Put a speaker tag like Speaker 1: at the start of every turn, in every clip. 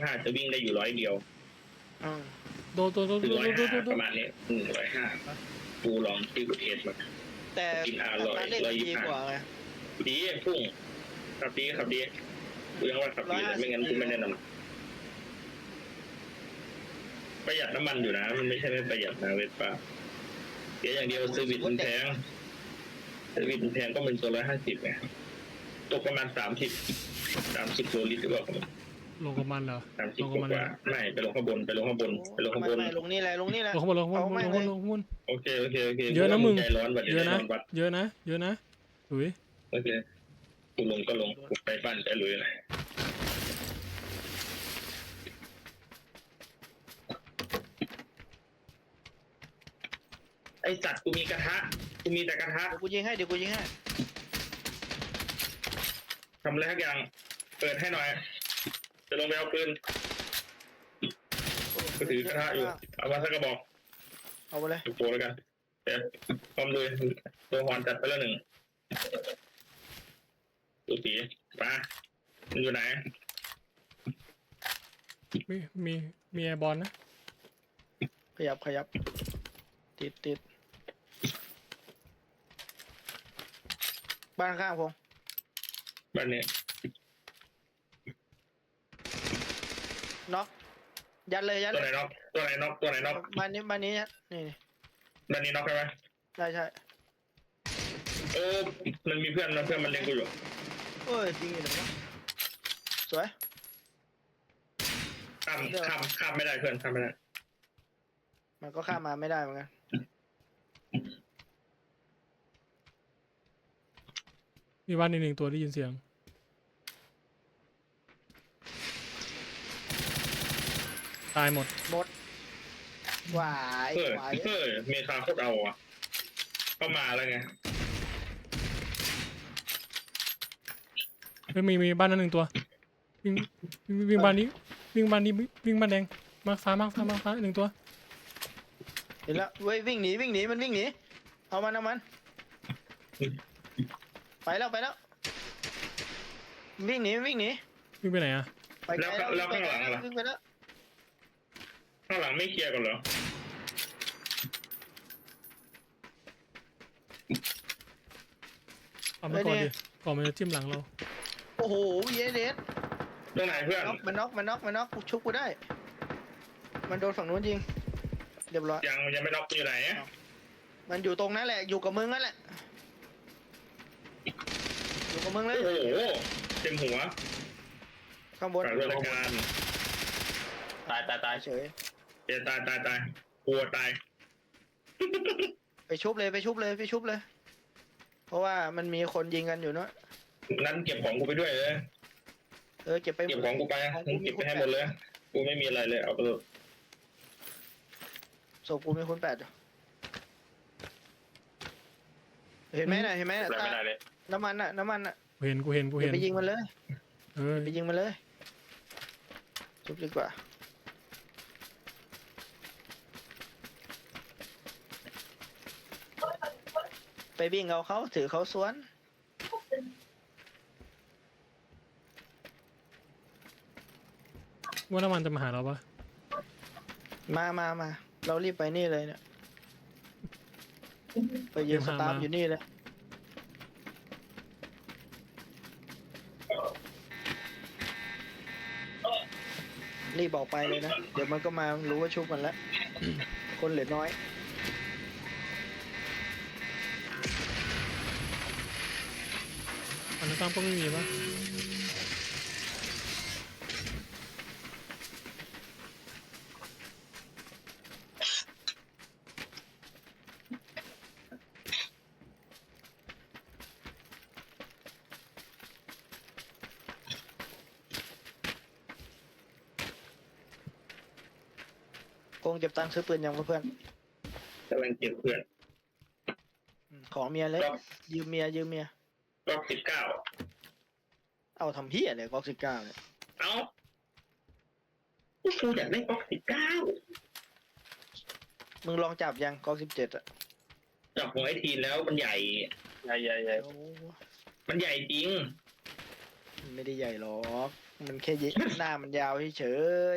Speaker 1: 125จะวิ่งได้อยู่100เดียว
Speaker 2: โดน
Speaker 1: ถึง105ประมาณนี้105กูลองที่กูเทสมา
Speaker 3: แต่การเล่นดีกว่าไง
Speaker 1: ดีพุ่งขับดีกูยังว่าขับดีเลยไม่งั้นกูไม่แนะนำประหยัดน้ำมันอยู่นะมันไม่ใช่ไม่ประหยัดนะเวสป้าเสียอย่างเดียวเซอร์วิสมันแพงก็เป็นตัว150ไงตกประมาณ30โลลิตรหรือเปล่า
Speaker 2: ลงกับมันเหรอ
Speaker 1: 30กว่าไม่ไปลงข้างบน
Speaker 3: ไม่ลงนี่แหละ
Speaker 2: ลงข้างบน
Speaker 1: โอเค
Speaker 2: เยอะนะมึง
Speaker 1: ใจร้อนบัด
Speaker 2: เยอะนะหลุย
Speaker 1: โอเคกูลงก็ลงกูไปบ้านไปลุยเลยไอ้จัดกูมีกระทะกูมีแต่กระทะ
Speaker 3: เดี๋ยวกูยิงให้
Speaker 1: ทำอะไรทุกอย่างเปิดให้หน่อยจะลงไปเอาปืนก็ถือกระทะอยู่เอามาสักกระบอก
Speaker 3: เอาไปเลย
Speaker 1: ถูกโปรแล้วกันเดี๋ยวพร้อมเลยตัวหอนจัดไปแล้ว1ตัวสีปลามันอยู่ไหน
Speaker 2: มีแอร์บอลนะ
Speaker 3: ขยับติดบ้านข้างผม
Speaker 1: บ้านนี้
Speaker 3: น็อกยัดเลย
Speaker 1: ตัวไหนน็อก
Speaker 3: บ้านนี้นี่
Speaker 1: บ้านนี้น็อกใช่ไหม
Speaker 3: ใช่
Speaker 1: โอ้มันมีเพื่อนนะเพื่อนมันเลี้ยงกูอยู่
Speaker 3: เอ้ยจริงเหรอสวย
Speaker 1: ข้ามไม่ได้เพื่อนข้ามไม่ได้
Speaker 3: มันก็ข้ามมาไม่ได้เหมือนกัน
Speaker 2: มีบ้าน1ตัวได้ยินเสียงตายหมด
Speaker 3: หวาย
Speaker 1: เมคาโคตรเอาอ่ะเข้ามาแล้วไง
Speaker 2: มีบ้านนั้น1ตัววิ่งบ้านนี้วิ่งบ้านแดงมาฟ้า1ตัว
Speaker 3: เห็นแล้วเว้ยวิ่งหนีมันวิ่งหนีเอามันไปแล้ววิ่งหนี
Speaker 2: วิ่งไปไหนอะ
Speaker 3: ไปไกลแล้วข้างหลังล่ะ
Speaker 1: ข้างหลังไม่เคลียร์กันเหรอ
Speaker 2: เอามาก่อนดิก่อนมันจะจิ้มหลังเรา
Speaker 3: โอ้โหเยเดส
Speaker 1: ตรงไหนเพื่อน
Speaker 3: มันน็อกกูชุบกูได้มันโดนฝั่งนู้นยิงเรียบร้อย
Speaker 1: ยังไม่น็อกอยู่ไหน
Speaker 3: มันอยู่ตรงนั้นแหละอยู่กับมึงนั่นแหละอยู่กับมึงเลย
Speaker 1: โอ้โหเต็มหัว
Speaker 3: ข้างบน
Speaker 1: ตาย
Speaker 3: เฉย
Speaker 1: ตายกลัวตาย
Speaker 3: ไปชุบเลยเพราะว่ามันมีคนยิงกันอยู่เนาะ
Speaker 1: งั้นเก็บของกูไปด้วยเลย
Speaker 3: เก็บ
Speaker 1: ของกูไปเก็บไปให้หมดเลยกูไม่มีอะไรเลยเอาไปเลย
Speaker 3: ศพกูมีคน8เห็นไหมน่ะน้ำมันน่ะ
Speaker 2: กูเห็น
Speaker 3: ไปยิงมันเลย
Speaker 2: ไปยิงมันเลย
Speaker 3: ชุบดีกว่าไปวิ่งเอาเขาถือเขาสวน
Speaker 2: ว่าน้ำมันจะมาหาเราปะ
Speaker 3: มาเรารีบไปนี่เลยเนี่ยไปยืนสตาร์ทอยู่นี่เลยรีบบอกไปเลยนะเดี๋ยวมันก็มารู้ว่าชุบมันแล้วคนเหลือน้อย
Speaker 2: อันนั้นตามก็ไม่มีปะ
Speaker 3: โกงเก็บตังค์ซื้อปืนยังเพื่อน
Speaker 1: กำลังเก็บเพื่อน
Speaker 3: ของเมียเลยยืมเมีย
Speaker 1: ล็อก19
Speaker 3: เอาทำเหี้ยเลยก๊อก19เนี่ย
Speaker 1: เอากูอยากได้ล็อก19
Speaker 3: มึงลองจับยังก๊อก17อะ
Speaker 1: จับของไอทีแล้วมันใหญ่มันใหญ่จริง
Speaker 3: ไม่ได้ใหญ่หรอกมันแค่หน้ามันยาวเฉย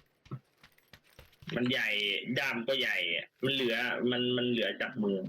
Speaker 1: มันใหญ่ด้ามก็ใหญ่อะมันเหลือมันเหลือจับมือ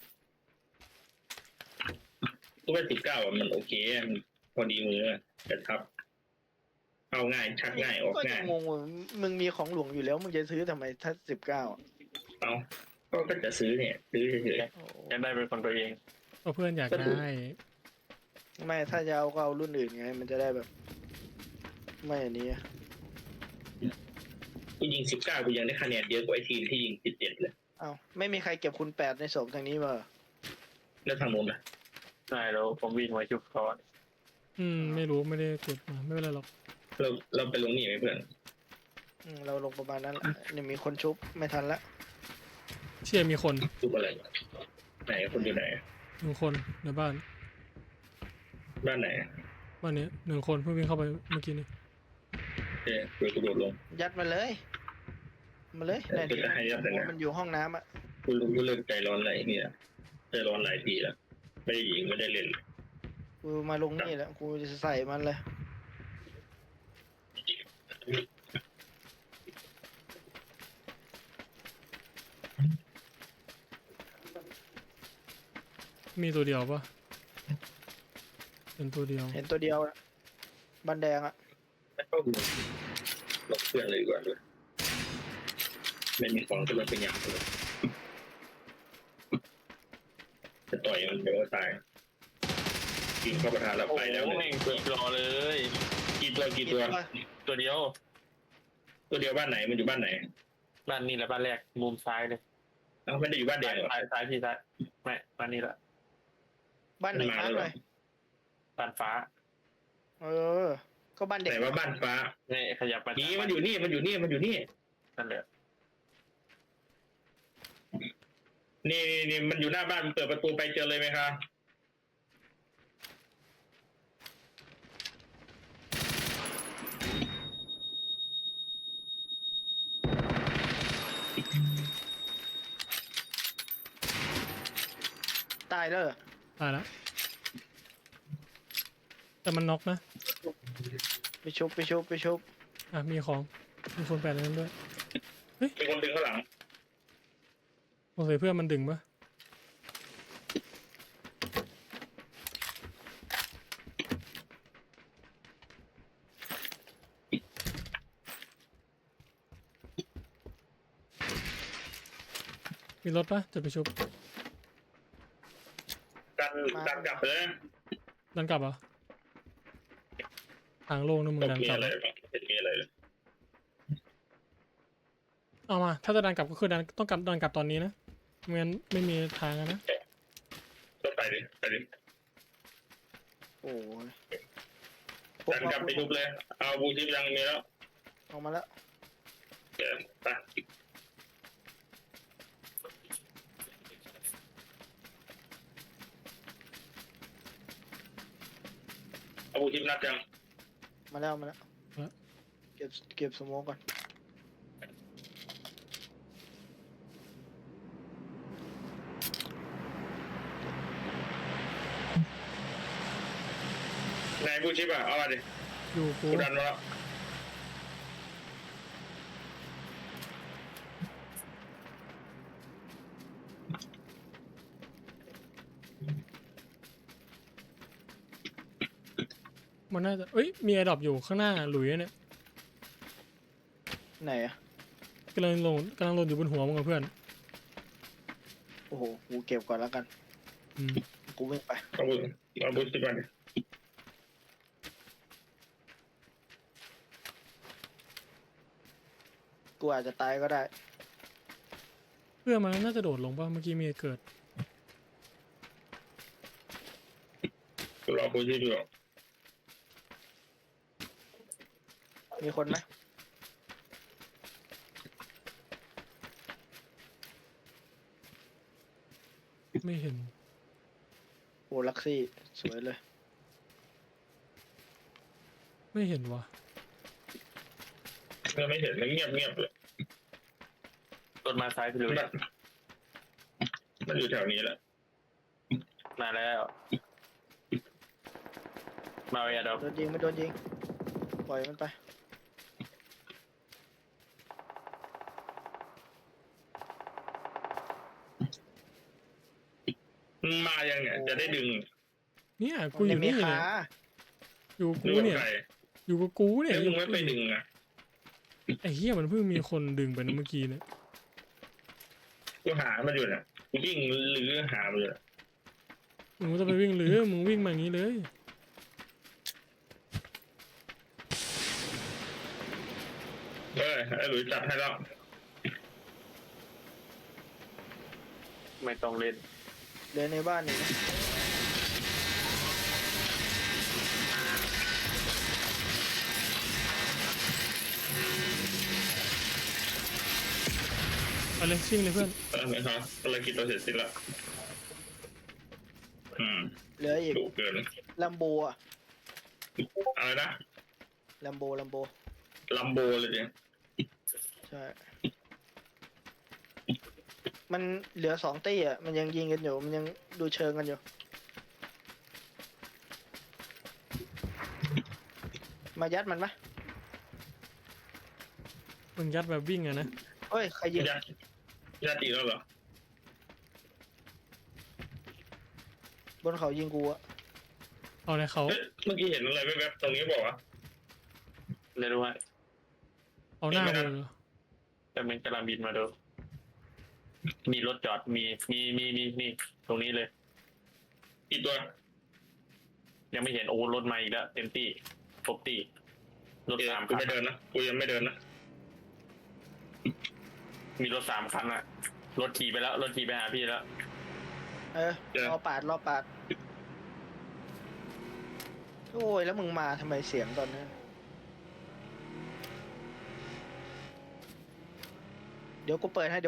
Speaker 1: ตัว19อ่ะมันโอเคมันพอดีมือแต่ทับเอาง่ายชักง่ายออก
Speaker 3: ก็ยั
Speaker 1: ง่าย
Speaker 3: งงงว่ามึงมีของหลวงอยู่แล้วมึงจะซื้อทำไมถ้า19อ่ะ
Speaker 1: เอาก็จะซื้อเนี่ยซื้อเฉย
Speaker 3: โอ้
Speaker 4: อยากได้เป็นคนตัวเอง
Speaker 2: เพราะเพื่อนอยากได้
Speaker 3: ไม่ถ้าจะเอาก็เอารุ่นอื่นไง มันจะได้แบบ ไม่อันนี้
Speaker 1: ๆกูยิง19กูยังได้คะแนนเยอะกว่าไอ้ทีมที่ยิง17เลย
Speaker 3: เอ้าไม่มีใครเก็บคุณ8ในศพทางนี้มา
Speaker 1: แล้วทางโน้นล่ะ
Speaker 4: ใช่แล้วผมวิ่งมาชุบเขา
Speaker 2: ไม่รู้ไม่ได้เก็บมาไม่เป็นไรหรอก
Speaker 1: เราไปลงนี่ไหมเพื่อน
Speaker 3: เราลงประมาณนั้นแหละนี่มีคนชุบไม่ทันละ
Speaker 2: เชื่อมีคน
Speaker 1: ดูอะไรไหนคนอยู่ไหน
Speaker 2: 1 คนในบ้าน
Speaker 1: บ้านไหน
Speaker 2: บ้านนี้1 คนเพิ่งวิ่งเข้าไปเมื่อกี้นี้
Speaker 1: เออเดี๋ยวกูโดดลง
Speaker 3: ยัดมาเลยมาเลย
Speaker 1: เออจะให้ยัดเลยนะ
Speaker 3: มันอยู่ห้องน้ำอ่ะ
Speaker 1: กูเลิกใจร้อนอะไรเนี่ยใจร้อนหลายทีแล้วไม่ได้ยิงไม่ได้เล่น
Speaker 3: กูมาลงนี่แหละกูจะใส่มันเลย
Speaker 2: มีตัวเดียวปะเป็นตัวเดียว
Speaker 3: เห็นตัวเดียวอะบันแดงอ่ะ
Speaker 1: ไม่เข้าดูหลบเพื่อนเลยดีกว่าด้วยไม่มีของก็เลยเป็นอย่างเลยจะต่อยมันเดี๋ยวก็ตายกินเข้าประทานแล้ว
Speaker 4: โอ้
Speaker 1: ไปแล้ว
Speaker 4: โห
Speaker 1: เนี่ย
Speaker 4: แม่งเกือบรอเลย
Speaker 1: กี่ตัว
Speaker 4: ตัวเดียว
Speaker 1: ตัวเดียวบ้านไหนมันอยู่บ้านไหน
Speaker 4: บ้านนี้แหละบ้านแรกมุมซ้ายเลย
Speaker 1: เอ้าไม่ได้อยู่บ้านแดงเหรอ
Speaker 4: ซ้ายพี่ซ้ายไม่บ้านนี้แหละ
Speaker 3: บ้านไหน
Speaker 1: มา
Speaker 3: มา
Speaker 1: แล้วเหรอ
Speaker 3: หน่อย
Speaker 4: บ้านฟ้า
Speaker 3: เออ ก็บ้านเด็ก
Speaker 1: ไหนว่าบ้านฟ้า
Speaker 4: นี่ขยับมา
Speaker 1: นี่มันอยู่นี่มันอยู่นี่มันอยู่นี่
Speaker 4: นั่นแหละ
Speaker 1: นี่มันอยู่หน้าบ้านเปิดประตูไปเจอเลยไหมครับ
Speaker 3: ตายแล้วเหรอ
Speaker 2: ตายแล้วแต่มันน็อกนะ
Speaker 3: ไปชุบ
Speaker 2: มีของมีคน8ในนั้นด้วย
Speaker 1: มีคนดึงข้างหลัง
Speaker 2: สงสัยเพื่อนมันดึงปะมีรถปะจะไปชุบ
Speaker 1: ดันกลับเลย
Speaker 2: ดันกลับเหรอทางโล่งนะมึงดัน
Speaker 1: มี
Speaker 2: กลับ
Speaker 1: อะไรบ้างมีอะไรเลย
Speaker 2: เอามาถ้าจะดันกลับก็คือดันต้องดันกลับตอนนี้นะไม่งั้นไม่มีทางอะนะ
Speaker 1: ก็ไปดิไปดิ
Speaker 3: โอ้ย
Speaker 1: ดันกลับไปทุบเลย เอาบูชิปยังมีแล้ว
Speaker 3: ออกมาแล้ว
Speaker 1: เดี๋ยวไปเอาบูชิปนัดยัง
Speaker 3: มาแล้วเก็บสโมกก่อน
Speaker 1: ไหนบูชิปอ่ะเอามาดิ
Speaker 2: อยู่กู
Speaker 1: กูดันมาแล้ว
Speaker 2: มันน่าจะเอ้ยมีไอดรอปอยู่ข้างหน้าหลุยเนี่ย
Speaker 3: ไหนอ่ะ
Speaker 2: กำลังลงอยู่บนหัวมึงกับเพื่อน
Speaker 3: โอ้โหกูเก็บก่อนแล้วกัน
Speaker 2: อืม
Speaker 3: กูวิ่งไป
Speaker 1: เอาบูชิปมาดิ
Speaker 3: กูอาจจะตายก็ได้
Speaker 2: เพื่อนมันน่าจะโดดลงป่ะเมื่อกี้มีเกิด
Speaker 1: กูรอบูชิปอยู่
Speaker 3: มีคนไหม
Speaker 2: ไม่เห็น
Speaker 3: โอ้ลักซี่สวยเลย
Speaker 2: ไม่เห็นว่ะ
Speaker 1: ไม่เห็นมันเงียบเลย
Speaker 4: รถมาซ้ายพี่ลุย
Speaker 1: มันอยู่แถวนี้แหละ
Speaker 4: มาแล้วมาเอาอย่าดอก
Speaker 3: โดนยิงไม่โดนยิงปล่อยมันไป
Speaker 1: มันมายังเนี่ยจะได้ดึง
Speaker 2: เนี่ยกูอยู่นี่
Speaker 3: มั
Speaker 2: เนี่ย
Speaker 3: ขา
Speaker 2: อยู่กู
Speaker 1: นึกว่า
Speaker 2: เนี่ย
Speaker 1: ใคร
Speaker 2: อยู่กับกูเนี่ย
Speaker 1: แล้วมึงไม่ไปดึงอ่ะ
Speaker 2: ไอ้เหี้ยมันเพิ่งมีคนดึงไปนะเมื่อกี้เนี่ย
Speaker 1: กูหามันอยู่เนี่ยกูวิ่งหรือหามันอยู่เนี่ย
Speaker 2: มึงจะไปวิ่งหรือมึงวิ่งมาอย่างนี้เลย
Speaker 1: ไอ้หลุยจัดให้แล้ว
Speaker 4: ไม่ต้องเล่น
Speaker 3: เดินในบ้านนี่นะ
Speaker 2: เอาเลยชิ่งเลยเพื่อน
Speaker 1: ไม่ครับภารกิจเราเสร็จสิ้นละ
Speaker 3: เหลืออีก
Speaker 1: ดุเกิน
Speaker 3: ลัมโบอะ
Speaker 1: อะไรนะ
Speaker 3: ลัมโบ
Speaker 1: ลัมโบเลยเนี่ย
Speaker 3: ใช่ มันเหลือ2ตี้อ่ะ มันยังยิงกันอยู่ มันยังดูเชิงกันอยู่ มายัดมันปะ
Speaker 2: มึงยัดแบบวิ่งอะนะ
Speaker 3: เฮ้ย ใครยิง
Speaker 1: ญาติแล้วเหรอบ
Speaker 3: นเขายิงกูอะ
Speaker 2: เอาเลยเขา
Speaker 1: เมื่อกี้เห็นอะไรแวบๆตรงนี้บอกว่า
Speaker 4: ไม่รู้ว่า
Speaker 2: เอาหน้ากูเลยเหรอ
Speaker 4: แต่มันกำลังบินมาดูมีรถจอดมีตรงนี้เลย
Speaker 1: กี่ตัว
Speaker 4: ยังไม่เห็นโอ้รถมาอีกแล้วเต็มที่ครบที่รถสาม
Speaker 1: กู
Speaker 4: คัน
Speaker 1: ไม่เดินนะกูยังไม่เดินนะ
Speaker 4: มีรถ3 คันอะรถขี่ไปแล้วรถขี่ไปหาพี่แล้ว
Speaker 3: รอปาด โอ้ย แล้วมึงมาทำไมเสียงตอนนั้น เดี๋ยวกูเปิดให้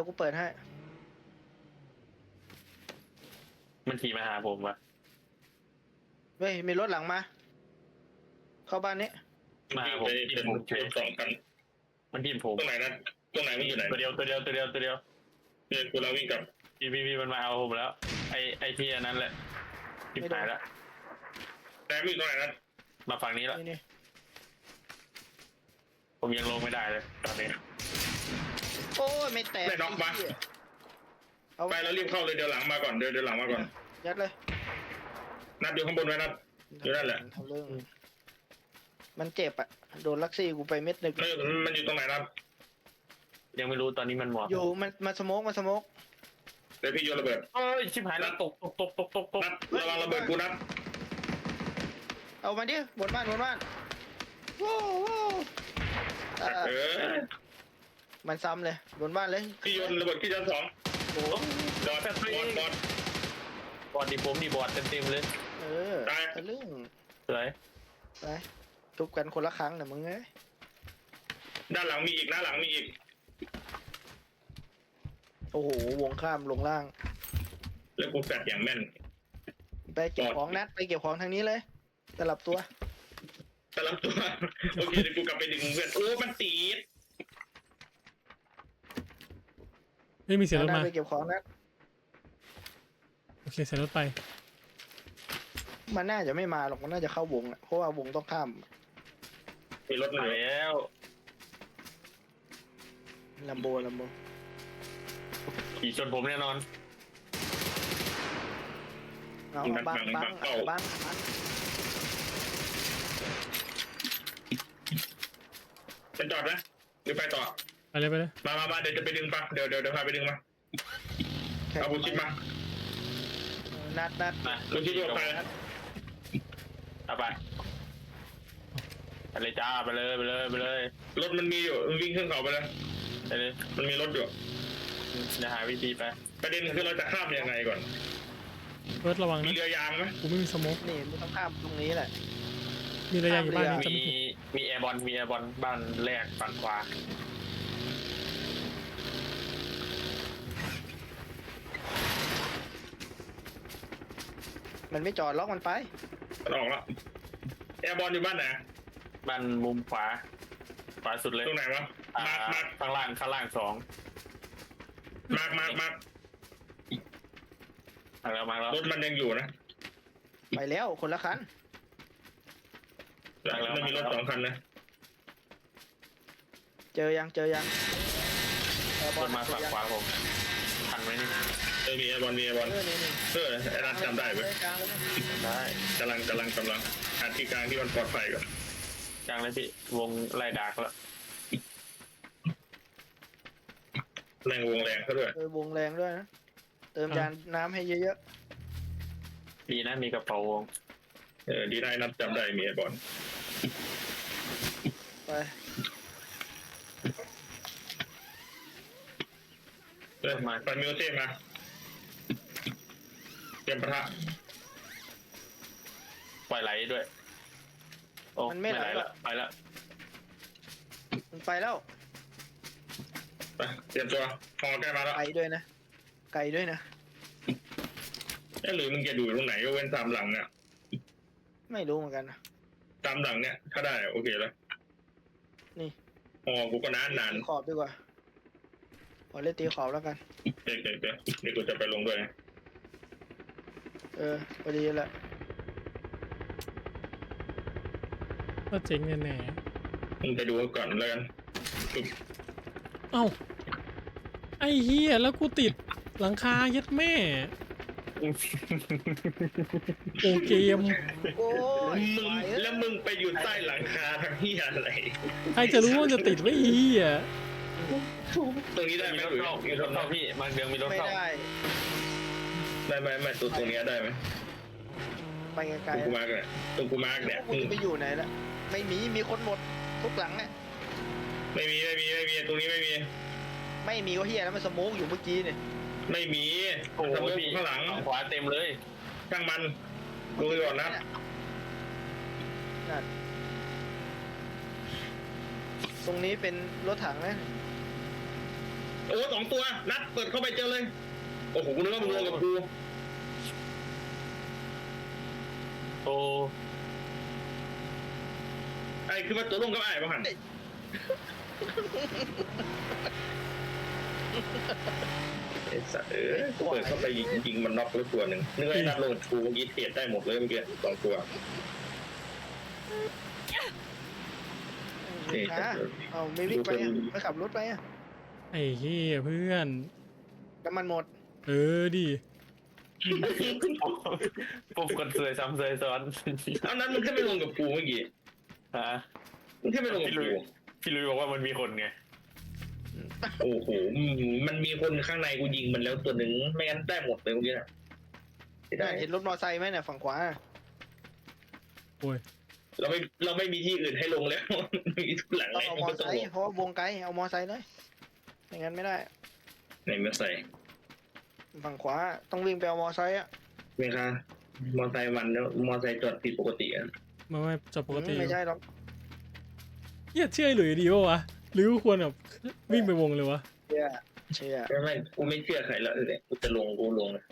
Speaker 4: มันขี่มาหาผมวะ
Speaker 3: เฮ้ย มีรถหลังมา เข้าบ้านนี้
Speaker 4: มาหา
Speaker 1: วิ่ง
Speaker 4: ผม
Speaker 1: ไป
Speaker 4: ที
Speaker 1: เป็น
Speaker 4: มผมเฉย
Speaker 1: 2 คัน
Speaker 4: มันทีมผม
Speaker 1: ตรงไหนนะตรงไหนมันอยู่ไหน
Speaker 4: ตัวเดียว
Speaker 1: เนี่ยกูเราวิ่งกลับ
Speaker 4: พี่มันมาเอาผมแล้วไอที่อันนั้นแหละทิมหายแล้ว
Speaker 1: แต่วิ่งตรงไหนนะ
Speaker 4: มาฝั่งนี้แล้ว
Speaker 3: นี่
Speaker 4: ผมยังลงไม่ได้เลยตอนนี้
Speaker 3: โอ้ย ไม่แตก
Speaker 1: ได้น็อกปะ
Speaker 3: ไเหี้ยเอา
Speaker 1: ไปแล้วรีบเข้าเลยเดี๋ยวหลังมาก่อนเดี๋ยวหลังมาก่อน
Speaker 3: ยัดเลย
Speaker 1: นัดอยู่ข้างบนไว้นัด อยู่นั่นแหละ
Speaker 3: ทำเรื่อง มันเจ็บอ่ะ โดนลักซี่กูไปเม็ดหนึ่ง
Speaker 1: มันอยู่ตรงไหนนัด
Speaker 4: ยังไม่รู้ตอนนี้มันหมด
Speaker 3: อยู่มันสโมก
Speaker 1: เดี๋ยวพี่โยนระเบิด
Speaker 4: เอ้ยชิบหายแล้วตก
Speaker 1: นัดระวังระเบิดกูนัด
Speaker 3: เอามาดิบนบ้านโว้โว้อ่า มันซ้ำเลยบนบ้านเลย
Speaker 1: พี่โยนระเบิดที่ชั้น 2
Speaker 3: โอ้
Speaker 1: บอด
Speaker 4: บอดดิผมดิบอดเต็มเลย
Speaker 3: เออทะลึ่ง
Speaker 4: สวย
Speaker 3: ไปทุบกันคนละครั้งนะมึงไง
Speaker 1: ด้านหลังมีอีกด้านหลังมีอีก
Speaker 3: โอ้โหวงข้ามลงล่าง
Speaker 1: แล้วกูแฟดอย่างแม่น
Speaker 3: ไปเก็บของนัดไปเก็บของทางนี้เลยสลับตัว
Speaker 1: สลับตัว โอเคเดี๋ยวกูกลับไปดึงเพื่อนโอ้มันตีด
Speaker 2: ไม่มีเสียงรถ
Speaker 3: นัด
Speaker 2: มา
Speaker 3: ไปเก็บของนัด
Speaker 2: โอเคเสียงรถไป
Speaker 3: มันน่าจะไม่มาหรอกมันน่าจะเข้าวงอะเพราะว่าวงต้องข้าม
Speaker 1: มีรถมา
Speaker 4: มา
Speaker 1: เลย
Speaker 4: แล้ว
Speaker 3: ลัมโบ
Speaker 4: ขี่ชนผมแน่นอน
Speaker 3: เอาบังบัง
Speaker 1: เป็นจอดนะหรือไปต่อ
Speaker 2: ไปเลย
Speaker 1: มาเดี๋ยวจะไปดึงปะเดี๋ยวพาไปดึงมาเอาบุชิดมา
Speaker 3: นัด
Speaker 4: มา
Speaker 1: บุชิดตัวไป
Speaker 4: เอาไปเลยจ้าไปเลย
Speaker 1: รถมันมีอยู่มันวิ่งขึ้นเขาไปเลย
Speaker 4: ไปเลย
Speaker 1: มันมีรถอยู่
Speaker 4: จะหาวิธีไป
Speaker 1: ประเด็นคือเราจะข้ามยังไงก่อน
Speaker 2: เฟิร์สระวัง
Speaker 1: มี
Speaker 2: นะ
Speaker 1: เรือยางไหม
Speaker 2: กูไม่มีสโมก
Speaker 3: นี่มึงต้องข้ามตรงนี้แหละ
Speaker 2: มีระยะอยู่บ้านนี้จะ
Speaker 4: มี
Speaker 2: ไม่ผิด
Speaker 4: มีแอร์บอลบ้านแรกฝั่งขวา
Speaker 3: มันไม่จอดล็อกมันไป
Speaker 1: มันออกแล้วแอร์บอลอยู่บ้านไหน
Speaker 4: บ้านมุมขวาสุดเลย
Speaker 1: ตรงไหนวะมาร์ค
Speaker 4: ข้างล่าง2
Speaker 1: มาร์ค
Speaker 4: มาแล้ว
Speaker 1: รถมันยังอยู่นะ
Speaker 3: ไปแล้วคนละคัน
Speaker 1: มันมีรถ2 คันนะ
Speaker 3: เจอยังแอร์บ
Speaker 4: บ
Speaker 3: อล
Speaker 4: นมาฝั่งขวาผมทันไหมนี่
Speaker 1: มีไอบอลมีไอบอล
Speaker 3: นี่
Speaker 1: ไอ้นัทจำได้ไหม
Speaker 3: กลางเลย
Speaker 4: ได้
Speaker 1: กำลังหาที่กลางที่มันปลอดภัยก่อน
Speaker 4: กลางเลยพี่วงไล่ดากแล้ว
Speaker 1: แรงวงแรงเขาด้วย
Speaker 3: วงแรงด้วยนะเติมยานน้ำให้เยอะ
Speaker 4: ดีนะมีกระเป๋าวง
Speaker 1: ดีได้นัทจำได้มีไอบอล
Speaker 3: ๆไป
Speaker 1: ไปมิวเซ่มาเตรียมปะทะ
Speaker 4: ปล่อยไหลด้วยโอ้ไม่ไหลละไปละ
Speaker 3: มันไปแล้ว
Speaker 1: ไปเตรียมตัวพอใกล้มาแล้ว
Speaker 3: ไกลด้วยนะ
Speaker 1: หรือมึงจะดูตรงไหนก็เว้นตามหลังเนี่ย
Speaker 3: ไม่รู้เหมือนกันนะ
Speaker 1: ตามหลังเนี่ยถ้าได้โอเคแล้ว
Speaker 3: นี่
Speaker 1: กูก็นาน
Speaker 3: ตีขอบดีกว่าขอเล่นตีขอบแล้วกัน
Speaker 1: เดี๋ยวกูจะไปลงด้วยนะ
Speaker 3: พอดีแหละ
Speaker 2: ก็เจ๋งแน่
Speaker 1: มึงไปดูก่อนแล้วกัน
Speaker 2: ๆเอ้าไอ้เหี้ยแล้วกูติดหลังคายัดแม่โอเกม
Speaker 3: โอ้ย
Speaker 1: มึงแล้วมึงไปอยู่ใต้หลังคาทำที่อะไร
Speaker 2: ใครจะรู้ว่าจะติดไว้ไอ้เหี้ย
Speaker 1: ตรงนี้ได้ไหม
Speaker 4: มีรถ
Speaker 1: หรือ
Speaker 4: เข้ามีรถเข้าพี่มาเดืองมีรถ
Speaker 3: ไม่
Speaker 4: เข้า
Speaker 3: ได้
Speaker 1: ได้ไหมตรงนี้ได้ไหม
Speaker 3: ไปไก
Speaker 1: ต
Speaker 3: ล
Speaker 1: รงกูมาร์กเนี่ยตรงกูมาร์กเนี่ย
Speaker 3: กูจะไปอยู่ไหนละไม่มีคนหมดทุกหลังอ่ะ
Speaker 1: ไม่มีตรงนี้ไม่มี
Speaker 3: ไม่มีก็เฮียแล้วมันสโมกอยู่เมื่อกี้เนี่ย
Speaker 1: ไม่มี
Speaker 4: โอ้
Speaker 1: สมมติ
Speaker 4: พี่
Speaker 1: ข้างหลัง
Speaker 4: ขวาเต็มเลย
Speaker 1: ช่างมันดูก่อนนะ
Speaker 3: นั่นตรงนี้เป็นรถถังนะ
Speaker 1: โอ้2 ตัวนัดเปิดเข้าไปเจอเลยโอ้โหกูนึกว่ามึงลงกับกู
Speaker 4: โอ้
Speaker 1: ไอ้คือว่าตัวลงกับไอ้ป่ะหันไอ้สัตว์กูเปิดเข้าไปยิงมันน็อกแล้วตัวหนึ่งนึกว่าไอ้นัดลงกับกูเมื่อกี้เทียดได้หมดเลยเมื่อกี้2 ตัวนี่
Speaker 3: เอาไม่วิ่งไปอ่ะไม่ขับรถไปอ่ะ
Speaker 2: ไอ้เหี้ยเพื่อน
Speaker 3: น้ำมันหมด
Speaker 2: ดิ
Speaker 4: ปุ๊บคนสวยซ้ำสวยซ้อน
Speaker 1: เอานั้นมึงแค่ไปลงกับกูเมื่อกี้
Speaker 4: ฮะ
Speaker 1: มึงแค่ไปลงกับกู
Speaker 4: พี่ลุยบอกว่ามันมีคนไง
Speaker 1: โอ้โหมันมีคนข้างในกูยิงมันแล้วตัวหนึ่งไม่งั้นได้หมดเลยเมื่อกี้นะไม่ได้
Speaker 3: เห็นรถมอไซค์ไหมเนี่ยฝั่งขวา
Speaker 2: โอ้ย
Speaker 1: เราไม่มีที่อื่นให้ลงแล้ว มีทุกหลัง
Speaker 3: ต้อง
Speaker 1: เลย
Speaker 3: เอา
Speaker 1: มัน
Speaker 3: มอ
Speaker 1: ก็ต้
Speaker 3: ไซ
Speaker 1: องล
Speaker 3: ค์
Speaker 1: ง
Speaker 3: เพราะว่าวงไกลเอามอไซค์เลยไม่งั้นไม่ได้
Speaker 1: ไหนมาใส่
Speaker 3: ฝั่งขวาต้องวิ่งไปเอามอไซค์อ่ะ
Speaker 1: เมคามอไซค์มันแล้วมอไซค์จอดผิดปกติอ่ะ
Speaker 2: ไม่จบปกติ
Speaker 3: ไม่ใช่หรอก
Speaker 2: เหี้ยเชื่อไอ้หลุยดีวะหรือควรแบบวิ่งไปวงเลยวะ
Speaker 3: เชื่อ
Speaker 1: ไม่กูไม่เชื่อใครแล้วเลยกูจะลงกูลงนะ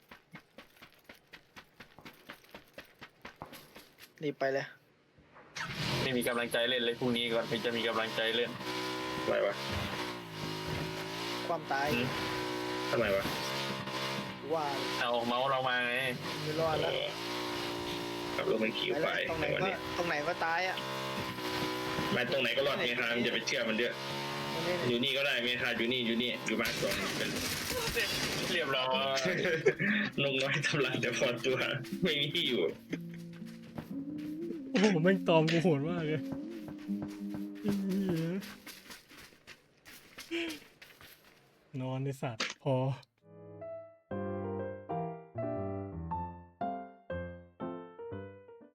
Speaker 3: รีบไปเลย
Speaker 4: ไม่มีกำลังใจเล่นเลยพรุ่งนี้ก่อนถึงจะมีกำลังใจเล่น
Speaker 1: ทำไมวะ
Speaker 3: ความตาย
Speaker 1: ทำไมวะ
Speaker 3: ว่า
Speaker 4: เอาเมาส์เรามาไง
Speaker 3: ไม่รอดแล้ว
Speaker 1: ขับรถมันขี่ไป
Speaker 3: ตรงไหน
Speaker 1: ในวัน
Speaker 3: ก็
Speaker 1: นี้
Speaker 3: ตรงไหนก็ตายอ่ะ
Speaker 1: ไม่ตรงไหนก็รอดเมคามันจะไปเชื่อมันเยอะอยู่นี่ก็ได้เมคาอยู่นี่อยู่บ้านก่อนเป็น
Speaker 4: เรียบร้อย
Speaker 1: นกน้อยทำลายแต่พอตัวไม่มีที่อยู่
Speaker 2: โอ้โหแม่งตอมกูโหดมากเลยไอ้เหี้ยนอนในสัตว์พอ